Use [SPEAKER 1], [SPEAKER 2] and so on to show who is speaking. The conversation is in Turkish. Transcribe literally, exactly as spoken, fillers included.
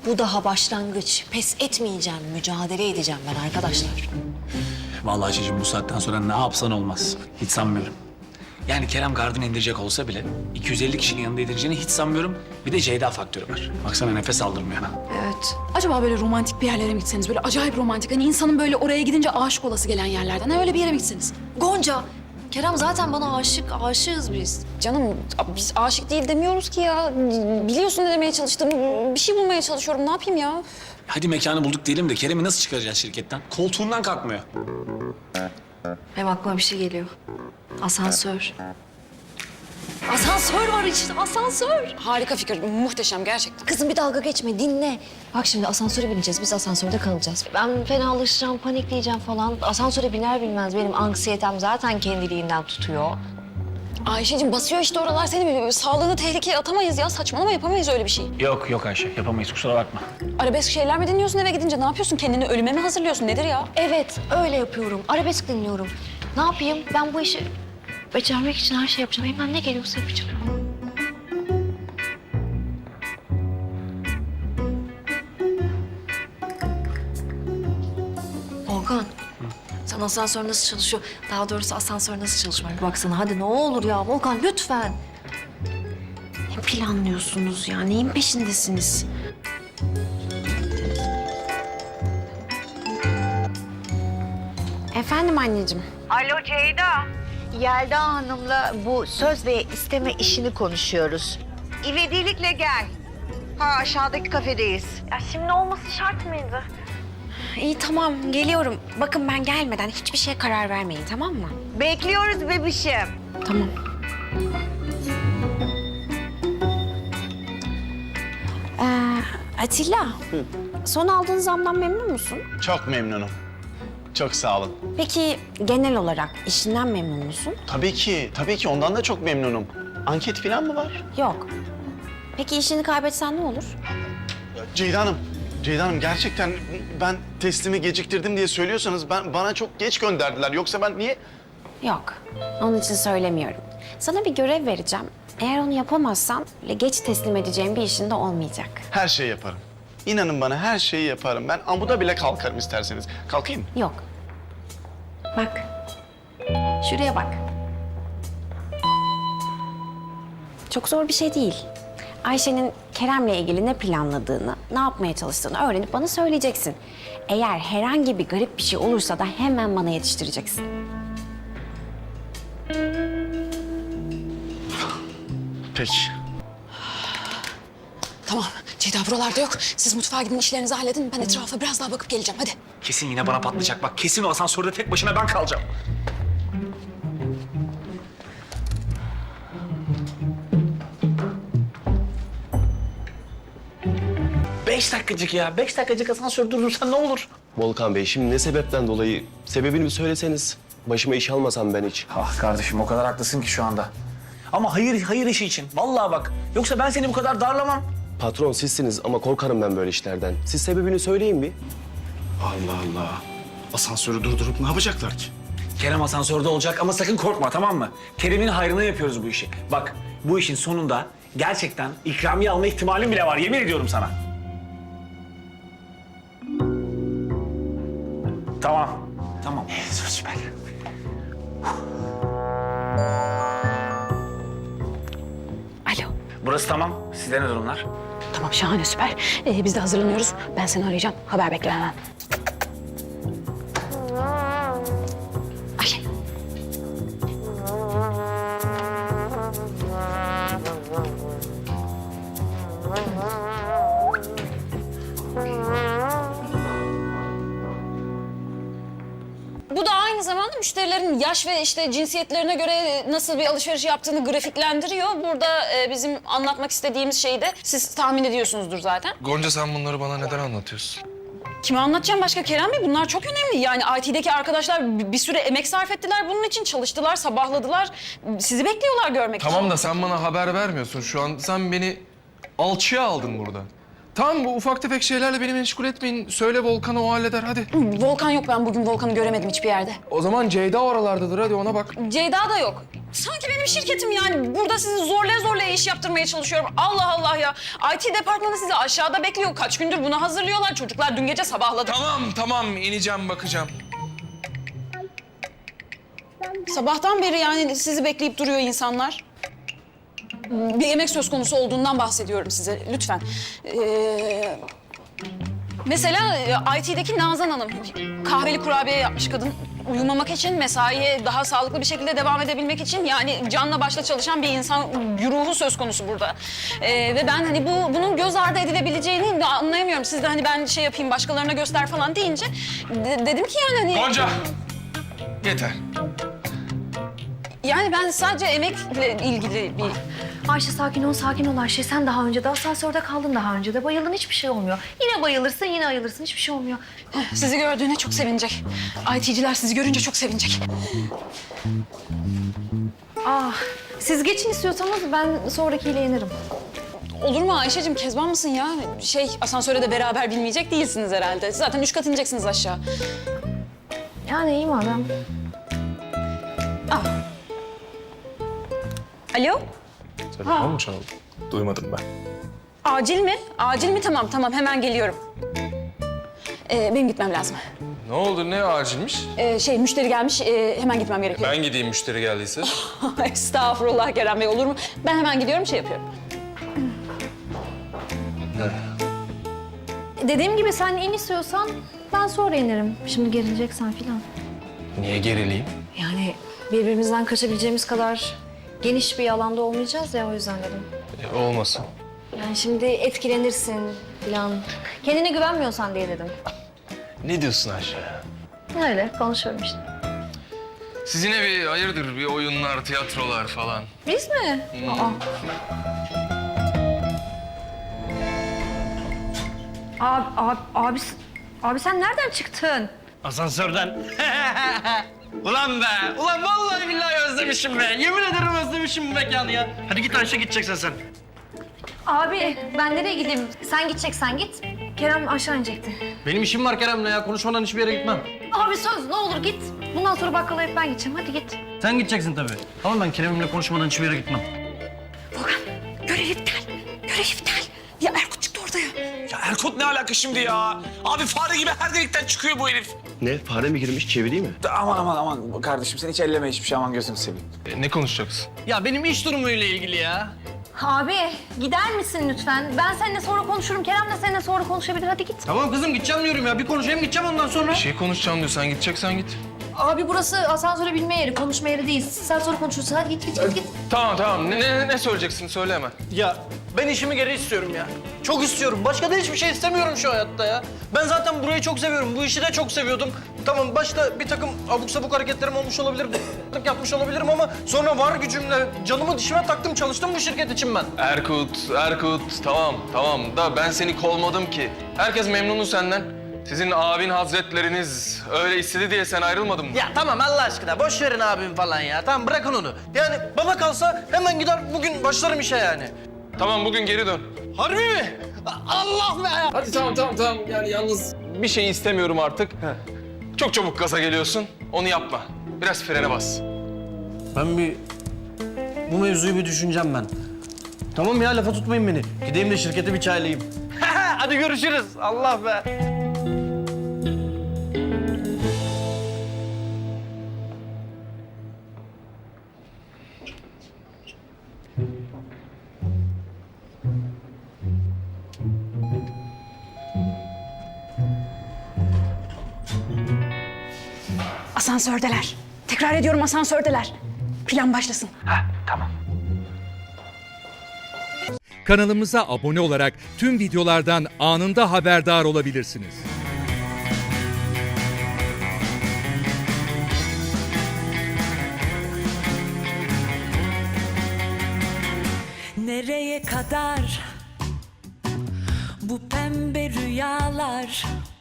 [SPEAKER 1] Bu daha başlangıç. Pes etmeyeceğim, mücadele edeceğim ben arkadaşlar.
[SPEAKER 2] Vallahi Ayşe'cim bu saatten sonra ne yapsan olmaz. Hiç sanmıyorum. Yani Kerem gardını indirecek olsa bile iki yüz elli kişinin yanında indireceğini hiç sanmıyorum. Bir de Ceyda faktörü var. Baksana nefes aldırmıyor ha.
[SPEAKER 1] Evet.
[SPEAKER 3] Acaba böyle romantik bir yerlere mi gitseniz? Böyle acayip romantik. Hani insanın böyle oraya gidince aşık olası gelen yerlerden. Ha, öyle bir yere mi gitseniz?
[SPEAKER 1] Gonca, Kerem zaten bana aşık, aşığız biz.
[SPEAKER 3] Canım biz aşık değil demiyoruz ki ya. Biliyorsun ne demeye çalıştığımı. Bir şey bulmaya çalışıyorum. Ne yapayım ya?
[SPEAKER 2] Hadi mekanı bulduk diyelim de Kerem'i nasıl çıkaracağız şirketten? Koltuğundan kalkmıyor.
[SPEAKER 1] Benim aklıma bir şey geliyor. Asansör. Asansör var işte, asansör.
[SPEAKER 3] Harika fikir. Muhteşem gerçekten.
[SPEAKER 1] Kızım bir dalga geçme, dinle. Bak şimdi asansöre bineceğiz, biz asansörde kalacağız. Ben fenalaşacağım, panikleyeceğim falan. Asansöre biner binmez benim anksiyetem zaten kendiliğinden tutuyor.
[SPEAKER 3] Ayşe'cim basıyor işte oralar seni. Sağlığını tehlikeye atamayız ya. Saçmalama, yapamayız öyle bir şey.
[SPEAKER 2] Yok yok Ayşe yapamayız kusura bakma.
[SPEAKER 3] Arabesk şeyler mi dinliyorsun eve gidince? Ne yapıyorsun? Kendini ölüme mi hazırlıyorsun? Nedir ya?
[SPEAKER 1] Evet, öyle yapıyorum. Arabesk dinliyorum. Ne yapayım? Ben bu işi becermek için her şey yapacağım. Elimden ne geliyorsa yapacağım. Volkan, sen asansör nasıl çalışıyor? Daha doğrusu asansör nasıl çalışıyor? Bir baksana hadi ne olur ya Volkan lütfen. Ne planlıyorsunuz ya? Neyin peşindesiniz?
[SPEAKER 3] Efendim anneciğim.
[SPEAKER 4] Alo Ceyda. Yelda Hanım'la bu söz ve isteme işini konuşuyoruz. İvedilikle gel. Ha aşağıdaki kafedeyiz.
[SPEAKER 5] Ya şimdi olması şart mıydı?
[SPEAKER 6] İyi tamam geliyorum. Bakın ben gelmeden hiçbir şeye karar vermeyin tamam mı?
[SPEAKER 4] Bekliyoruz bebişim.
[SPEAKER 6] Tamam. Ee, Atilla. Son aldığın zamdan memnun musun?
[SPEAKER 7] Çok memnunum. Çok sağ olun.
[SPEAKER 6] Peki genel olarak işinden memnun musun?
[SPEAKER 7] Tabii ki, tabii ki ondan da çok memnunum. Anket falan mı var?
[SPEAKER 6] Yok. Peki işini kaybetsen ne olur?
[SPEAKER 7] Ceyda Hanım, Ceyda Hanım gerçekten ben teslimi geciktirdim diye söylüyorsanız ben bana çok geç gönderdiler. Yoksa ben niye...
[SPEAKER 6] Yok. Onun için söylemiyorum. Sana bir görev vereceğim. Eğer onu yapamazsan öyle geç teslim edeceğim bir işin de olmayacak.
[SPEAKER 7] Her şeyi yaparım. İnanın bana her şeyi yaparım. Ben amuda bile kalkarım isterseniz. Kalkayım mı?
[SPEAKER 6] Yok. Bak. Şuraya bak. Çok zor bir şey değil. Ayşe'nin Kerem'le ilgili ne planladığını, ne yapmaya çalıştığını öğrenip bana söyleyeceksin. Eğer herhangi bir garip bir şey olursa da hemen bana yetiştireceksin.
[SPEAKER 7] Peki.
[SPEAKER 3] Tamam. Ceyda buralarda yok. Siz mutfağa gidin işlerinizi halledin. Ben etrafa biraz daha bakıp geleceğim. Hadi.
[SPEAKER 2] Kesin yine bana patlayacak bak kesin o asansörde tek başına ben kalacağım. Beş dakikacık ya. Beş dakikacık asansör durdursan ne olur?
[SPEAKER 8] Volkan Bey, şimdi ne sebepten dolayı? Sebebini bir söyleseniz. Başıma iş almasam ben hiç.
[SPEAKER 2] Ah kardeşim o kadar haklısın ki şu anda. Ama hayır hayır işi için. Vallahi bak. Yoksa ben seni bu kadar darlamam.
[SPEAKER 8] Patron sizsiniz ama korkarım ben böyle işlerden. Siz sebebini söyleyin bir.
[SPEAKER 7] Allah Allah. Asansörü durdurup ne yapacaklar ki?
[SPEAKER 2] Kerem asansörde olacak ama sakın korkma tamam mı? Kerem'in hayrına yapıyoruz bu işi. Bak bu işin sonunda gerçekten ikramiye alma ihtimalim bile var. Yemin ediyorum sana. Tamam. Tamam. Süper.
[SPEAKER 6] Alo.
[SPEAKER 2] Burası tamam. Sizde ne durumlar?
[SPEAKER 3] Tamam şahane süper. Ee, biz de hazırlanıyoruz. Ben seni arayacağım. Haber bekle hemen.
[SPEAKER 6] Ayşe.
[SPEAKER 3] Bu da aynı zamanda müşterilerin yaş ve işte cinsiyetlerine göre nasıl bir alışveriş yaptığını grafiklendiriyor. Burada e, bizim anlatmak istediğimiz şeyi de siz tahmin ediyorsunuzdur zaten.
[SPEAKER 9] Gonca sen bunları bana neden anlatıyorsun?
[SPEAKER 3] Kime anlatacağım başka Kerem Bey? Bunlar çok önemli. Yani I T'deki arkadaşlar bir bir süre emek sarf ettiler bunun için. Çalıştılar, sabahladılar. Sizi bekliyorlar görmek için.
[SPEAKER 9] Tamam da sen bana haber vermiyorsun şu an. Sen beni alçıya aldın burada. Tamam bu ufak tefek şeylerle beni meşgul etmeyin. Söyle Volkan'a o halleder hadi.
[SPEAKER 3] Volkan yok. Ben bugün Volkan'ı göremedim hiçbir yerde.
[SPEAKER 9] O zaman Ceyda oralardadır hadi ona bak.
[SPEAKER 3] Ceyda da yok. Sanki benim şirketim yani. Burada sizi zorlaya zorlaya iş yaptırmaya çalışıyorum. Allah Allah ya. I T departmanı sizi aşağıda bekliyor. Kaç gündür bunu hazırlıyorlar. Çocuklar dün gece sabahladı.
[SPEAKER 9] Tamam tamam ineceğim bakacağım.
[SPEAKER 3] Sabahtan beri yani sizi bekleyip duruyor insanlar. Bir emek söz konusu olduğundan bahsediyorum size lütfen. Ee, mesela e, I T'deki Nazan Hanım kahveli kurabiye yapmış kadın. Uyumamak için, mesaiye daha sağlıklı bir şekilde devam edebilmek için yani canla başla çalışan bir insan ruhu söz konusu burada. Ee, ve ben hani bu bunun göz ardı edilebileceğini de anlayamıyorum. Siz de hani ben şey yapayım başkalarına göster falan deyince de- dedim ki yani hani...
[SPEAKER 9] Gonca! Yeter.
[SPEAKER 3] Yani ben sadece emekle ilgili bir...
[SPEAKER 1] Ayşe sakin ol, sakin ol Ayşe. Sen daha önce de asansörde kaldın, daha önce de bayıldın. Hiçbir şey olmuyor. Yine bayılırsın, yine ayılırsın. Hiçbir şey olmuyor.
[SPEAKER 3] Sizi gördüğüne çok sevinecek. I T'ciler sizi görünce çok sevinecek.
[SPEAKER 1] Ah, siz geçin istiyorsanız ben sonrakiyle inerim.
[SPEAKER 3] Olur mu Ayşe'cim? Kezban mısın ya? Şey, asansöre de beraber binmeyecek değilsiniz herhalde. Zaten üç kat ineceksiniz aşağı.
[SPEAKER 1] Yani iyi madem.
[SPEAKER 3] Alo?
[SPEAKER 9] Telefon mu çaldı? Duymadım ben.
[SPEAKER 3] Acil mi? Acil mi? Tamam, tamam. Hemen geliyorum. Ee, benim gitmem lazım.
[SPEAKER 9] Ne oldu? Ne acilmiş?
[SPEAKER 3] Ee, şey, müşteri gelmiş. Ee, hemen gitmem gerekiyor.
[SPEAKER 9] Ben gideyim müşteri geldiyse.
[SPEAKER 3] Estağfurullah Kerem Bey, olur mu? Ben hemen gidiyorum, şey yapıyorum.
[SPEAKER 1] Dediğim gibi sen in istiyorsan ben sonra inerim. Şimdi gerileceksen filan.
[SPEAKER 9] Niye gerileyim?
[SPEAKER 1] Yani birbirimizden kaçabileceğimiz kadar geniş bir alanda olmayacağız ya, o yüzden dedim.
[SPEAKER 9] E, olmasın.
[SPEAKER 1] Yani şimdi etkilenirsin filan. Kendine güvenmiyorsan diye dedim.
[SPEAKER 9] Ne diyorsun Ayşe?
[SPEAKER 1] Öyle konuşuyorum işte.
[SPEAKER 9] Sizin evi hayırdır bir oyunlar, tiyatrolar falan.
[SPEAKER 1] Biz mi? Aa. Abi, abi, abi, abi sen nereden çıktın?
[SPEAKER 10] Asansörden. Ulan be! Ulan vallahi billahi özlemişim be! Yemin ederim özlemişim bu mekanı ya. Hadi git Ayşe, gideceksen sen.
[SPEAKER 1] Abi ben nereye gideyim? Sen gideceksen git. Kerem aşağı inecekti.
[SPEAKER 10] Benim işim var Kerem'le ya. Konuşmadan hiçbir yere gitmem.
[SPEAKER 1] Abi söz ne olur git. Bundan sonra bakkala hep ben gideceğim. Hadi git.
[SPEAKER 10] Sen gideceksin tabii. Ama ben Kerem'imle konuşmadan hiçbir yere gitmem.
[SPEAKER 3] Görev iptal. Görev iptal. Ya Erkut çıktı orada ya.
[SPEAKER 2] Ya Erkut ne alaka şimdi ya? Abi fare gibi her delikten çıkıyor bu herif.
[SPEAKER 8] Ne? Fare mi girmiş? Çevireyim mi?
[SPEAKER 2] Aman aman aman kardeşim sen hiç elleme hiçbir şey, aman gözünü seveyim.
[SPEAKER 9] E, ne konuşacaksın?
[SPEAKER 10] Ya benim iş durumuyla ilgili ya.
[SPEAKER 1] Abi gider misin lütfen? Ben seninle sonra konuşurum. Kerem de seninle sonra konuşabilir. Hadi git.
[SPEAKER 10] Tamam kızım, gideceğim diyorum ya. Bir konuşayım, gideceğim ondan sonra.
[SPEAKER 9] Bir şey konuşacağım diyor. Sen gideceksen git.
[SPEAKER 1] Abi burası asansöre binme yeri, konuşma yeri değil. Sen sonra konuşursun. Hadi git git git. git.
[SPEAKER 9] Tamam tamam. Ne, ne, ne söyleyeceksin? Söyle hemen.
[SPEAKER 10] Ya ben işimi geri istiyorum ya. Çok istiyorum. Başka da hiçbir şey istemiyorum şu hayatta ya. Ben zaten burayı çok seviyorum. Bu işi de çok seviyordum. Tamam başta bir takım abuk sabuk hareketlerim olmuş olabilir. b***lık yapmış olabilirim ama sonra var gücümle canımı dişime taktım, çalıştım bu şirket için ben.
[SPEAKER 9] Erkut, Erkut. Tamam tamam da ben seni kovmadım ki. Herkes memnunu senden. Sizin abin hazretleriniz öyle istedi diye sen ayrılmadın mı?
[SPEAKER 10] Ya tamam Allah aşkına boş verin abim falan ya. Tamam bırakın onu. Yani bana kalsa hemen gider bugün başlarım işe yani.
[SPEAKER 9] Tamam bugün geri dön.
[SPEAKER 10] Harbi mi? Allah be!
[SPEAKER 9] Hadi tamam tamam tamam. Yani yalnız bir şey istemiyorum artık. Çok çabuk gaza geliyorsun. Onu yapma. Biraz frene bas.
[SPEAKER 10] Ben bir... Bu mevzuyu bir düşüneceğim ben. Tamam ya lafa tutmayın beni. Gideyim de şirkete bir çaylayayım. Hadi görüşürüz. Allah be!
[SPEAKER 3] Asansördeler. Tekrar ediyorum asansördeler. Plan başlasın.
[SPEAKER 11] Kanalımıza abone olarak tüm videolardan anında haberdar olabilirsiniz.
[SPEAKER 12] Nereye kadar bu pembe rüyalar?